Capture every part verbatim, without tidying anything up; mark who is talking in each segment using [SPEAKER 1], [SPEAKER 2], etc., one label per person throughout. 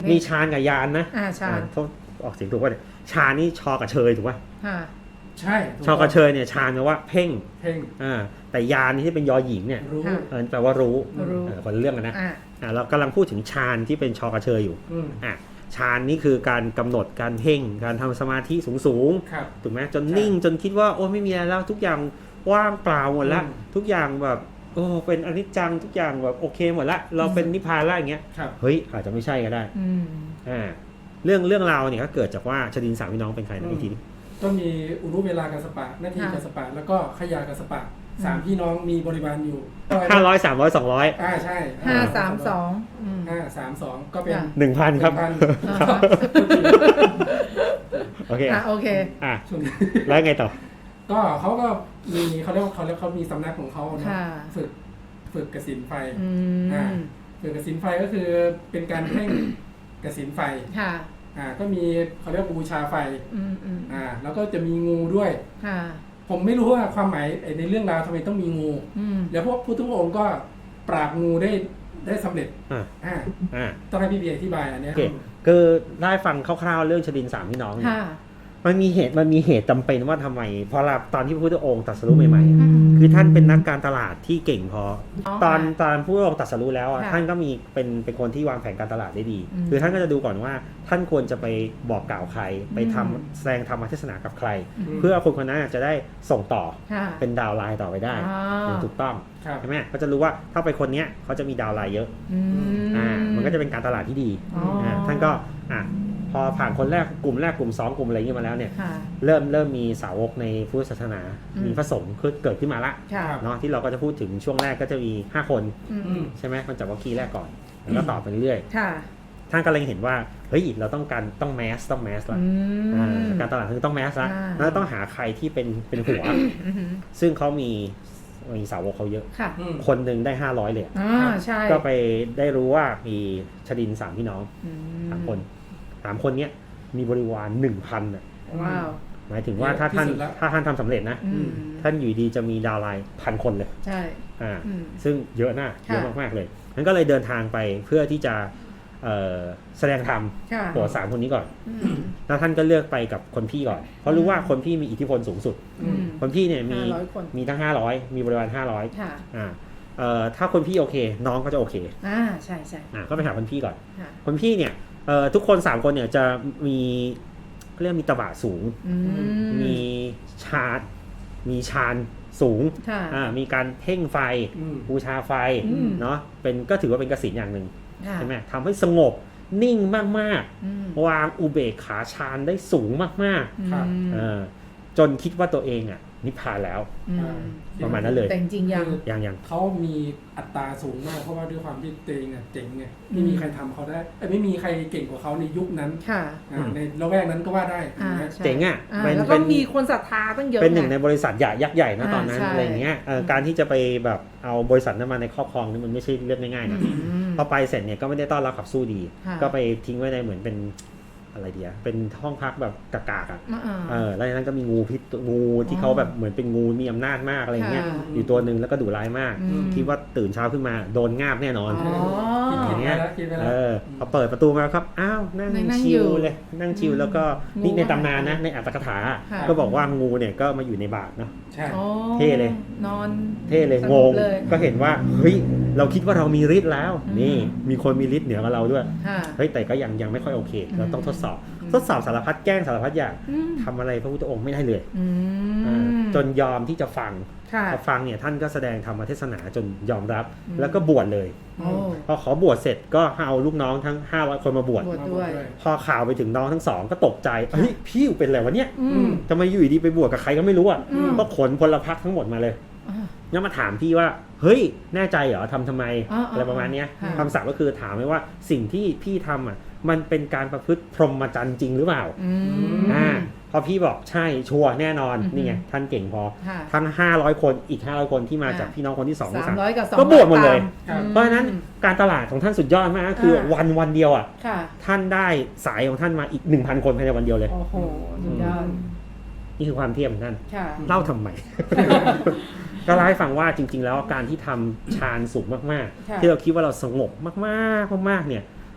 [SPEAKER 1] มีชานกับยานนะ
[SPEAKER 2] อ่าชาญ
[SPEAKER 1] โทษออกเสียงถูกป่ะเนี่ยชานนี่ชอกับเชยถูกป่ะ
[SPEAKER 2] ค่ะ
[SPEAKER 3] ใช่ถู
[SPEAKER 1] ชอกับเชยเนี่ยชานแปลว่าเพ่ง
[SPEAKER 3] เพ่ง
[SPEAKER 1] อ่าแต่ยานนี่ที่เป็นยอหญิงเนี่ย
[SPEAKER 3] รู้
[SPEAKER 2] ค่ะ
[SPEAKER 1] เออแปลว่ารู้
[SPEAKER 2] รู้
[SPEAKER 1] เออคนละเรื่องกันนะ
[SPEAKER 2] อ่า
[SPEAKER 1] อ่าเรากำลังพูดถึงชานที่เป็นชอกับเชยอยู่
[SPEAKER 3] อืม
[SPEAKER 1] อ่ะฌานนี่คือการกำหนดการเพ่งการทำสมาธิสูง
[SPEAKER 3] ครับ
[SPEAKER 1] ๆถูกไหมจนนิ่งจนคิดว่าโอ้ไม่มีอะไรแล้วทุกอย่างว่างเปล่าหมดละ
[SPEAKER 3] อืม
[SPEAKER 1] ทุกอย่างแบบโอ้เป็นอนิจจังทุกอย่างแบบโอเคหมดละเราเป็นนิพพานละอย่างเงี้ย
[SPEAKER 3] ครับ
[SPEAKER 1] เฮ้ยอาจจะไม่ใช่ก็ได้
[SPEAKER 2] อืม
[SPEAKER 1] อ่าเรื่องเรื่องราวเนี่ยก็เกิดจากว่าชดินสามพี่น้องเป็นใครนะอีกทีนึง
[SPEAKER 3] ก็มีอุรุเวลากัสปะนาที
[SPEAKER 2] ค่ะ
[SPEAKER 3] กัสปะแล้วก็ขยากัสปะสามพี่น้องมีบริวารอยู่
[SPEAKER 1] ห้าร้อยสามร้อยสองร้อย
[SPEAKER 3] อ่าใช่
[SPEAKER 2] ห้าสามสองอืม
[SPEAKER 3] ห้าสามสองก็เป็น
[SPEAKER 2] ค่ะ
[SPEAKER 1] หนึ่งพันครับ
[SPEAKER 3] หนึ่งพัน
[SPEAKER 2] อ่า
[SPEAKER 1] ครับ
[SPEAKER 2] ฮะ
[SPEAKER 1] โอเค
[SPEAKER 2] อ่ะโอเค
[SPEAKER 1] อ่ะ
[SPEAKER 3] ช่วงนี้
[SPEAKER 1] แล้วไงต่อ
[SPEAKER 3] ก็เขาก็มีเขาเรียกว่าเขาเรียกเขามีสำนักของเขาเนาะ
[SPEAKER 2] ค่ะ
[SPEAKER 3] ฝึกฝึกกสินไฟ
[SPEAKER 2] อื
[SPEAKER 3] อ่าม ฝึกกสินไฟก็คือเป็นการเพ่งกสินไฟ
[SPEAKER 2] ค่ะ
[SPEAKER 3] อ่าก็มีเขาเรียกว่าบูชาไฟ
[SPEAKER 2] อืมอืม
[SPEAKER 3] อ่าแล้วก็จะมีงูด้วย
[SPEAKER 2] ค่ะ
[SPEAKER 3] ผมไม่รู้ว่าความหมายไอ้ในเรื่องราวทำไมต้องมีงู
[SPEAKER 2] อืม
[SPEAKER 3] แล้วพวกพุทธองค์ก็ปราบงูได้ได้สำเร็จ
[SPEAKER 1] อ่า
[SPEAKER 3] อ่า
[SPEAKER 1] อ่า
[SPEAKER 3] ต้องให้พี่เบียร์อธิบายอันเนี้
[SPEAKER 1] โอย เคคือได้ฟังคร่าวๆเรื่องชดินสามพี่น้องเนี่ย
[SPEAKER 2] ค่ะ
[SPEAKER 1] มันมีเหตุมันมีเหตุจำเป็นว่าทำไมเพราะเราตอนที่พระพุทธองค์ตรัสรู้ใหม่ๆ
[SPEAKER 2] อื
[SPEAKER 1] อะ
[SPEAKER 2] ม
[SPEAKER 1] คือท่านเป็นนักการตลาดที่เก่งพอ
[SPEAKER 2] อ๋อ
[SPEAKER 1] ตอน
[SPEAKER 2] ค่ะ
[SPEAKER 1] ตอนพระพุทธองค์ตรัสรู้แล้วอะ
[SPEAKER 2] ค่ะ
[SPEAKER 1] ท่านก็มีเป็นเป็นคนที่วางแผนการตลาดได้ดี
[SPEAKER 2] อืม
[SPEAKER 1] คือท่านก็จะดูก่อนว่าท่านควรจะไปบอกกล่าวใคร ไปทำ
[SPEAKER 2] อืม
[SPEAKER 1] แสดงธรรมเทศนากับใคร
[SPEAKER 3] ม
[SPEAKER 1] เพื่อคนคนนั้นจะได้ส่งต่อ
[SPEAKER 2] ค่ะ
[SPEAKER 1] เป็นดาวน์ไลน์ต่อไปได้
[SPEAKER 2] อ๋อ
[SPEAKER 1] อย่างถูกต้อง
[SPEAKER 3] ครับ
[SPEAKER 1] ใช่ไหมก็จะรู้ว่าถ้าไปคนเนี้ยเขาจะมีดาวน์ไลน์เยอะ
[SPEAKER 2] อืม
[SPEAKER 1] อ่ามันก็จะเป็นการตลาดที่ดี
[SPEAKER 2] อ๋ออ่
[SPEAKER 1] าท่านก็อ่ะพอผ่านคนแรกกลุ่มแรกกลุ่มสองกลุ่มอะไรอย่างเงี้ยมาแล้วเนี่ย
[SPEAKER 2] ค่ะ
[SPEAKER 1] เริ่มเริ่มมีสาวกในพุทธศาสนา
[SPEAKER 2] อืม
[SPEAKER 1] มีพระสงฆ์ขึ้นเกิดขึ้นมาละ
[SPEAKER 2] ค่ะ
[SPEAKER 1] เนาะที่เราก็จะพูดถึงช่วงแรกก็จะมีห้าคน
[SPEAKER 2] อืม
[SPEAKER 3] อืม
[SPEAKER 1] ใช่ไหมคนจากวัคคีย์แรกก่อนแล้วก็ต่อไปเรื่อย
[SPEAKER 2] ค่ะ
[SPEAKER 1] ๆท่านก็เลยเห็นว่าเฮ้ยเราต้องการต้องแมสต้องแมสละ
[SPEAKER 2] อืม
[SPEAKER 1] อ่าการตลาดคือต้องแมสละ
[SPEAKER 2] อ่า
[SPEAKER 1] แล้วต้องหาใครที่เป็นเป็นหัว
[SPEAKER 2] อืม
[SPEAKER 1] ซึ่งเขามีมีสาวกเขาเยอะ
[SPEAKER 2] ค่ะ
[SPEAKER 3] อืม
[SPEAKER 1] คนหนึ่งได้ห้าร้อยเลยอะ
[SPEAKER 2] อ่าใช่
[SPEAKER 1] ก็ไปได้รู้ว่ามีชดินสามพี่น้อง
[SPEAKER 2] อื
[SPEAKER 1] สามคนสามคนเนี้ยมีบริวารหนึ่งพันอ่ะ
[SPEAKER 2] ว้าว
[SPEAKER 1] หมายถึงว่าถ้าท่าน
[SPEAKER 3] ที่สุดแล้ว
[SPEAKER 1] ถ้าท่านทำสำเร็จนะ
[SPEAKER 2] อืม
[SPEAKER 1] ท่านอยู่ดีจะมีดาวน์ไลน์พันคนเลย
[SPEAKER 2] ใช่
[SPEAKER 1] อ่า
[SPEAKER 2] อืม
[SPEAKER 1] ซึ่งเยอะนะ
[SPEAKER 2] ค่ะ
[SPEAKER 1] เยอะมากๆเลยนั้นก็เลยเดินทางไปเพื่อที่จะเอ่อแสดงธรรม
[SPEAKER 2] ค่ะ
[SPEAKER 1] โปรดสามคนนี้ก่อน
[SPEAKER 2] อืม
[SPEAKER 1] แล้วท่านก็เลือกไปกับคนพี่ก่อน เพราะรู้ว่าคนพี่มีอิทธิพลสูงสุด
[SPEAKER 2] อืม
[SPEAKER 1] คนพี่เนี่ยมี
[SPEAKER 2] ห้าร้อยคน
[SPEAKER 1] มีตั้งห้าร้อยมีบริวารห้าร้อย
[SPEAKER 2] ค่ะ
[SPEAKER 1] อ่าเอ่อถ้าคนพี่โอเค น้องก็จะโอเค
[SPEAKER 2] อ่าใช่ใช่
[SPEAKER 1] อ่าก็ไปหาคนพี่ก่อน
[SPEAKER 2] ค่ะ
[SPEAKER 1] คนพี่เนี่ยเอ่อทุกคนสามคนเนี่ยจะมีเขาเรียกมีตบะสูง
[SPEAKER 2] อืม
[SPEAKER 1] มีชาดมีชานสูง
[SPEAKER 2] ค่ะ
[SPEAKER 1] อ่ามีการเพ่งไฟ
[SPEAKER 3] อืม
[SPEAKER 1] บูชาไฟ
[SPEAKER 2] อืม
[SPEAKER 1] เนาะเป็นก็ถือว่าเป็นกสิณอย่างหนึ่ง
[SPEAKER 2] ค่ะ
[SPEAKER 1] ใช่ไหมทำให้สงบนิ่งมาก
[SPEAKER 2] อืม
[SPEAKER 1] ๆ วางอุเบกขาฌานได้สูงมาก
[SPEAKER 3] ครับ
[SPEAKER 2] อืม
[SPEAKER 1] ๆเออจนคิดว่าตัวเองอ่ะนิพพานแล้ว
[SPEAKER 2] อืม
[SPEAKER 1] ประมาณนั้นเลย
[SPEAKER 2] แต่จริงๆยัง
[SPEAKER 1] อย่างอย่าง
[SPEAKER 3] เขามีอัตราสูงมากเพราะว่าด้วยความที่ตัวเองอ่ะเจ๋งไง
[SPEAKER 2] อืม
[SPEAKER 3] ไม่มีใครทำเขาได้เอ้ยไม่มีใครเก่งกว่าเขาในยุคนั้น
[SPEAKER 2] ค่ะ
[SPEAKER 3] อ่าในละแวกนั้นก็ว่าได้
[SPEAKER 2] อ่า
[SPEAKER 3] นะ
[SPEAKER 2] ใช่
[SPEAKER 1] เจ๋งอ่ะ
[SPEAKER 2] อ่า
[SPEAKER 1] เป็น
[SPEAKER 2] แล้วก็
[SPEAKER 1] เป็น
[SPEAKER 2] มีคนศรัทธาตั้งเยอะ
[SPEAKER 1] เป็นหนึ่งใน
[SPEAKER 2] ไ
[SPEAKER 1] บริษัทใหญ่ยักษ์ใหญ่นะ
[SPEAKER 2] อ่า
[SPEAKER 1] ตอนนั้น
[SPEAKER 2] ใช่
[SPEAKER 1] อะไรอย่างเงี้ยเอ่อ
[SPEAKER 2] อืม
[SPEAKER 1] การที่จะไปแบบเอาบริษัทนั้นมาในครอบครองนี่มันไม่ใช่เรื่องง่ายๆนะ
[SPEAKER 2] อืม
[SPEAKER 1] พอไปเสร็จเนี่ยก็ไม่ได้ต้อนรับขับสู้ดี
[SPEAKER 2] ค่ะ
[SPEAKER 1] ก็ไปทิ้งไว้ในเหมือนเป็นอะไรเดียเป็นห้องพักแบบกากๆอ่ะ
[SPEAKER 2] อ่า
[SPEAKER 1] เออแล้วในนั้นก็มีงูพิษงูที่เขาแบบเหมือนเป็นงูมีอำนาจมากอะไรอย่างเงี้ย
[SPEAKER 2] ค่ะ
[SPEAKER 1] อยู่ตัวหนึ่งแล้วก็ดุร้ายมาก
[SPEAKER 2] อืม
[SPEAKER 1] คิดว่าตื่นเช้าขึ้นมาโดนงาบแน่นอน
[SPEAKER 2] อ๋อ
[SPEAKER 3] คิด
[SPEAKER 1] อ
[SPEAKER 3] คิด
[SPEAKER 1] ย่าง
[SPEAKER 3] ไป
[SPEAKER 1] เงี้ย
[SPEAKER 3] แล้วคิดไป
[SPEAKER 1] เอ
[SPEAKER 3] แล้ว
[SPEAKER 1] อพอเปิดประตูมาครับอ้าวนั่ง
[SPEAKER 2] นั่ง
[SPEAKER 1] ชิ
[SPEAKER 2] อยู่
[SPEAKER 1] ลเลยนั่งชิลแล้วก็
[SPEAKER 2] งู
[SPEAKER 1] นี่ในตำนานนะในอัตถกถา
[SPEAKER 2] ค่ะ
[SPEAKER 1] ก็บอกว่างูเนี่ยก็มาอยู่ในบาทเนาะ
[SPEAKER 3] ใช่
[SPEAKER 2] อ๋อ
[SPEAKER 1] เท่เลย
[SPEAKER 2] นอน
[SPEAKER 1] เท่เลย
[SPEAKER 2] ส
[SPEAKER 1] ง
[SPEAKER 2] งบ
[SPEAKER 1] ง
[SPEAKER 2] เลย
[SPEAKER 1] ก็เห็นว่าเฮ้ยเราคิดว่าเรามีฤทธิ์แล้ว
[SPEAKER 2] อืม
[SPEAKER 1] นี่มีคนมีฤทธิ์เหนือกว่าเราด้วย
[SPEAKER 2] ค่ะ
[SPEAKER 1] เฮ้ยแต่ก็ยังยังไม่ค่อยโอเค เราต้องทดสอบ
[SPEAKER 2] อืม
[SPEAKER 1] ทดสอบสารพัดแกล้งสารพัดอย่าง
[SPEAKER 2] อืม
[SPEAKER 1] ทำอะไรพระพุทธองค์ไม่ได้เลย
[SPEAKER 2] อื
[SPEAKER 1] อ่าม จนยอมที่จะฟัง
[SPEAKER 2] ค่ะ
[SPEAKER 1] พอฟังเนี่ยท่านก็แสดงธรรมเทศนาจนยอมรับ
[SPEAKER 2] อืม
[SPEAKER 1] แล้วก็บวชเลย
[SPEAKER 2] โอ้
[SPEAKER 1] พอขอบวชเสร็จก็เอาลูกน้องทั้งห้าร้อยคนมาบวช
[SPEAKER 2] บวชด้วย
[SPEAKER 1] พอข่าวไปถึงน้องทั้งสองก็ตกใจเฮ้ยพี่เป็นอะไรวะเนี่ย
[SPEAKER 2] อืม
[SPEAKER 1] ทำไมอยู่ดีไปบวชกับใครก็ไม่รู้อ่ะ
[SPEAKER 2] อืม
[SPEAKER 1] ก็ขนพลพรรคทั้งหมดมาเลย
[SPEAKER 2] อ่า
[SPEAKER 1] แล้วมาถามพี่ว่าเฮ้ยแน่ใจเหรอทำทำไม
[SPEAKER 2] อ่าๆ
[SPEAKER 1] อะไรประมาณเนี้ย
[SPEAKER 2] ค่ะ
[SPEAKER 1] คำศัพท์ก็คือถามไว้ว่าสิ่งที่พี่ทำอ่ะมันเป็นการประพฤติพรหมจรรย์จริงหรือเปล่า
[SPEAKER 2] อืม
[SPEAKER 1] อ่าพอพี่บอกใช่ชัวร์แน่นอน
[SPEAKER 2] อือฮึ
[SPEAKER 1] นี่ไงท่านเก่งพอ
[SPEAKER 2] ค่ะ
[SPEAKER 1] ทั้งห้าร้อยคนอีกห้าร้อยคนที่มาจาก
[SPEAKER 2] อ่า
[SPEAKER 1] พี่น้องคนที่สองที่
[SPEAKER 2] สา
[SPEAKER 1] สาม ม
[SPEAKER 2] ร้อยกับสอง
[SPEAKER 1] ก็บวชหมดเลย
[SPEAKER 2] ตาม
[SPEAKER 1] เพราะฉะนั้นการตลาดของท่านสุดยอดมากก็คือ
[SPEAKER 2] อ่า
[SPEAKER 1] วันวันเดียวอ่ะ
[SPEAKER 2] ค่ะ
[SPEAKER 1] ท่านได้สายของท่านมาอีก หนึ่งพัน คนภายในวันเดียวเลย
[SPEAKER 2] โอ้โหสุดยอด
[SPEAKER 1] นี่คือความเทียมของท่าน
[SPEAKER 2] ค่ะ
[SPEAKER 1] เล่าทำไม ก็เล่าให้ฟังว่าจริง ๆ แล้วการที่ทำฌานสูงมาก
[SPEAKER 2] ค่ะ
[SPEAKER 1] ๆ ที่เราคิดว่าเราสงบมากๆมากๆเนี่ย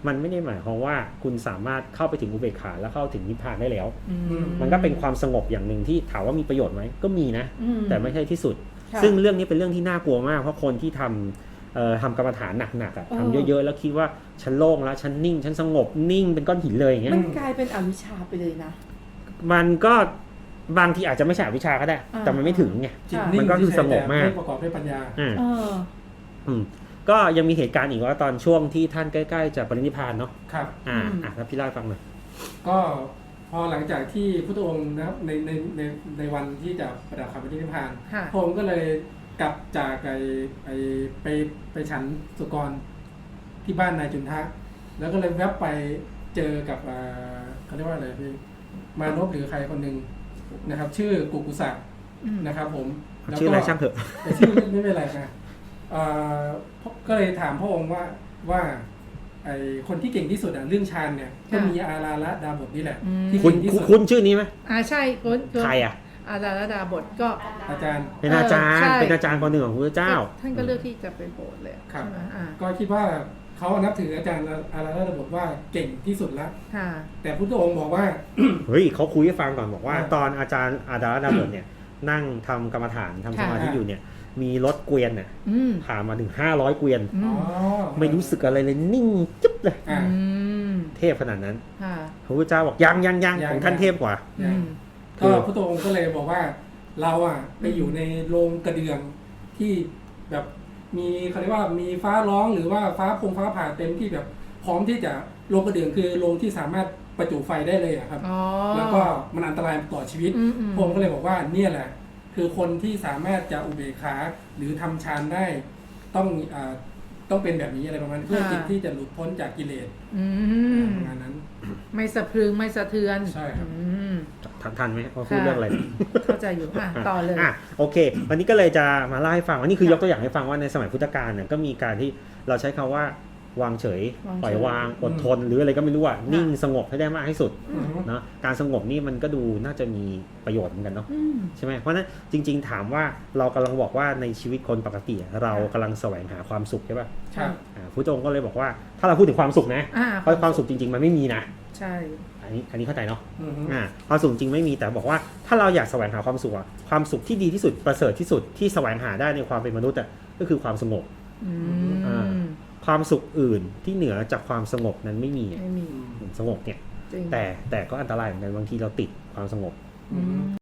[SPEAKER 1] มันไม่ได้หมายความว่าคุณสามารถเข้าไปถึงอุเบกขาแล้วเข้าถึงนิพพานได้แล้ว
[SPEAKER 2] อื
[SPEAKER 1] มันก็เป็นความสงบอย่างหนึ่งที่ถามว่ามีประโยชน์ไหมก็มีนะ
[SPEAKER 2] อืม
[SPEAKER 1] แต่ไม่ใช่ที่สุด
[SPEAKER 2] ค่ะ
[SPEAKER 1] ซึ่งเรื่องนี้เป็นเรื่องที่น่ากลัวมากเพราะคนที่ทำเอ่อทำกรรมฐานหนักๆอะ
[SPEAKER 2] เออ
[SPEAKER 1] ทำเยอะๆแล้วคิดว่าฉันโล่งแล้วฉันนิ่งฉันสงบนิ่งเป็นก้อนหินเลยอย่างเงี้ย
[SPEAKER 2] มันกลายเป็นอวิชชาไปเลยนะ
[SPEAKER 1] มันก็บางทีอาจจะไม่ใช่อวิชชาก็ได้
[SPEAKER 2] อ่า
[SPEAKER 1] แต่มันไม่ถึงไง
[SPEAKER 3] จิต
[SPEAKER 2] ค่ะ
[SPEAKER 3] นิ่ง
[SPEAKER 1] มันก็คือสงบมาก
[SPEAKER 3] ไม่ประกอบด้วยปัญญา
[SPEAKER 1] อ่า
[SPEAKER 2] เออ
[SPEAKER 1] อืมก็ยังมีเหตุการณ์อีกว่าตอนช่วงที่ท่านใกล้ๆจะปรินิพพานเนาะ
[SPEAKER 3] ครับ
[SPEAKER 1] อ่า
[SPEAKER 2] อืม
[SPEAKER 1] อ่ะแล้วพี่เล่าให้ฟังหน่อย
[SPEAKER 3] ก็พอหลังจากที่พุทธองค์นะครับในในในในวันที่จะประดับคำปฏินิพพาน
[SPEAKER 2] ค่ะ
[SPEAKER 3] พระองค์ก็เลยกลับจากไอไอไปไปฉันสุกรที่บ้านนายจุนทะ แล้วก็เลยแวบไปเจอกับอ่าเขาเรียกว่าอะไรพี่มานพหรือใครคนหนึ่งนะครับ ชื่อกุกุสะ
[SPEAKER 2] อืม
[SPEAKER 3] นะครับผมแล้ว
[SPEAKER 1] ชื่อ
[SPEAKER 3] ก็
[SPEAKER 1] อะไรช่างเถอะ
[SPEAKER 3] แต่ชื่อไม่ไม่เป็นไรนะเอ่อก็เลยถามพระองค์ว่าว่าไอคนที่เก่งที่สุดอ่ะเรื่องฌานเนี่ยก็มีอาราละดาบทนี่แหละ
[SPEAKER 2] อืม
[SPEAKER 3] ที่
[SPEAKER 1] คุณ
[SPEAKER 3] เก่งที่
[SPEAKER 1] คุณ
[SPEAKER 3] สุด
[SPEAKER 1] คุณชื่อนี้ไหม
[SPEAKER 2] อ่าใช่คุณคุณ
[SPEAKER 1] ใครอ่ะ
[SPEAKER 2] อาราลดาบทก็
[SPEAKER 3] อาจารย์
[SPEAKER 1] เป็นอาจารย์
[SPEAKER 2] เออใช่
[SPEAKER 1] เป็นอาจารย์คนหนึ่งของพระเจ้า
[SPEAKER 2] ท่านก็เลือกที่จะไปโบสถ์เลย
[SPEAKER 3] ครับ
[SPEAKER 2] ใช่ไหมอ่า
[SPEAKER 3] ก็คิดว่าเขานับถืออาจารย์อาราละดาบทว่าเก่งที่สุดแล้ว
[SPEAKER 2] ค่ะ
[SPEAKER 3] แต่พุทธองค์บอกว่า
[SPEAKER 1] เฮ้ยเขาคุยให้ฟังก่อนบอกว่า
[SPEAKER 3] อ่า
[SPEAKER 1] ตอนอาจารย์อาดาลดาบทเนี่ยนั่งทำกรรมฐานทำสมาธิ
[SPEAKER 3] ค่ะ
[SPEAKER 1] อยู่เนี่ยมีรถเกวียนเนี่ย
[SPEAKER 2] อืม
[SPEAKER 1] ผ่านมาถึงห้าร้อยเกวียน
[SPEAKER 2] อื
[SPEAKER 3] อ๋อ
[SPEAKER 2] ม
[SPEAKER 1] ไม่รู้สึกอะไรเลยนิ่งจิ๊บเลย
[SPEAKER 3] อ่า
[SPEAKER 2] อืม
[SPEAKER 1] เทพขนาดนั้น
[SPEAKER 2] ค่ะ
[SPEAKER 1] พระพุทธเจ้าบอกยังยังยัง
[SPEAKER 3] ยัง
[SPEAKER 1] ของท่าน
[SPEAKER 3] ยัง
[SPEAKER 1] เทพกว่า
[SPEAKER 2] อืม
[SPEAKER 3] ก็พุทธองค์ก็เลยบอกว่าเราอ่ะไปอยู่ในโรงกระเดื่องที่แบบมีเขาเรียกว่ามีฟ้าร้องหรือว่าฟ้าพงฟ้าผ่าเต็มที่แบบพร้อมที่จะโรงกระเดื่องคือโรงที่สามารถประจุไฟได้เลยอะครับ
[SPEAKER 2] อ๋อ
[SPEAKER 3] แล้วก็มันอันตรายต่อชีวิต
[SPEAKER 2] อืมอืม
[SPEAKER 3] พระองค์ก็เลยบอกว่าเนี่ยแหละ คือคนที่สามารถจะอุเบกขาหรือทำฌานได้ต้องอ่าต้องเป็นแบบนี้อะไรประมาณนั้นเพื่อจิตที่จะหลุดพ้นจากกิเลส
[SPEAKER 2] อืม
[SPEAKER 3] ประมาณนั้น
[SPEAKER 2] ไม่สะพรึงไม่สะเทือน
[SPEAKER 3] ใช่ครับ
[SPEAKER 2] อืม
[SPEAKER 1] ทันทันไหมว่าพูดเรื่องอะไร
[SPEAKER 2] เข้าใจอยู่อ่ะต่อเลย
[SPEAKER 1] อ่ะโอเค วันนี้ก็เลยจะมาเล่าให้ฟังว่านี่คือ
[SPEAKER 2] ค่ะ
[SPEAKER 1] ยกตัวอย่างให้ฟังว่าในสมัยพุทธกาลเนี่ยก็มีการที่เราใช้คำว่าวางเฉย
[SPEAKER 2] วางเฉย
[SPEAKER 1] ปล่อยวางอดทนหรืออะไรก็ไม่รู้อ่ะนิ่งสงบให้ได้มากที่สุด
[SPEAKER 3] อืม
[SPEAKER 1] เนาะการสงบนี่มันก็ดูน่าจะมีประโยชน์เหมือนกันเนาะ
[SPEAKER 2] อืม
[SPEAKER 1] ใช่ไหมเพราะฉะนั้นจริง ๆ ถามว่าเรากำลังบอกว่าในชีวิตคนปกติเรากำลังแสวงหาความสุขใช่ป่ะ
[SPEAKER 3] ครั
[SPEAKER 2] ใช่
[SPEAKER 3] บ
[SPEAKER 1] อ่าพุทธองค์ก็เลยบอกว่าถ้าเราพูดถึงความสุขนะ
[SPEAKER 2] อ่า
[SPEAKER 1] เพราะความสุขจริง ๆ มันไม่มีนะ
[SPEAKER 2] ใช่
[SPEAKER 1] อันนี้อันนี้เข้าใจเนาะ
[SPEAKER 3] อืม
[SPEAKER 1] อ่าความสุขจริงไม่มีแต่บอกว่าถ้าเราอยากแสวงหาความสุขอะความสุขที่ดีที่สุดประเสริฐที่สุดที่แสวงหาได้ในความเป็นมนุษย์อะก็คือความสงบ
[SPEAKER 2] อื
[SPEAKER 1] อ่า
[SPEAKER 2] ม
[SPEAKER 1] ความสุขอื่นที่เหนือจากความสงบนั้นไม่มีอะ
[SPEAKER 2] ไม่มี
[SPEAKER 1] สงบเนี่ย
[SPEAKER 2] จริง
[SPEAKER 1] แต่แต่ก็อันตรายเหมือนกันบางทีเราติดความสงบ
[SPEAKER 2] อืม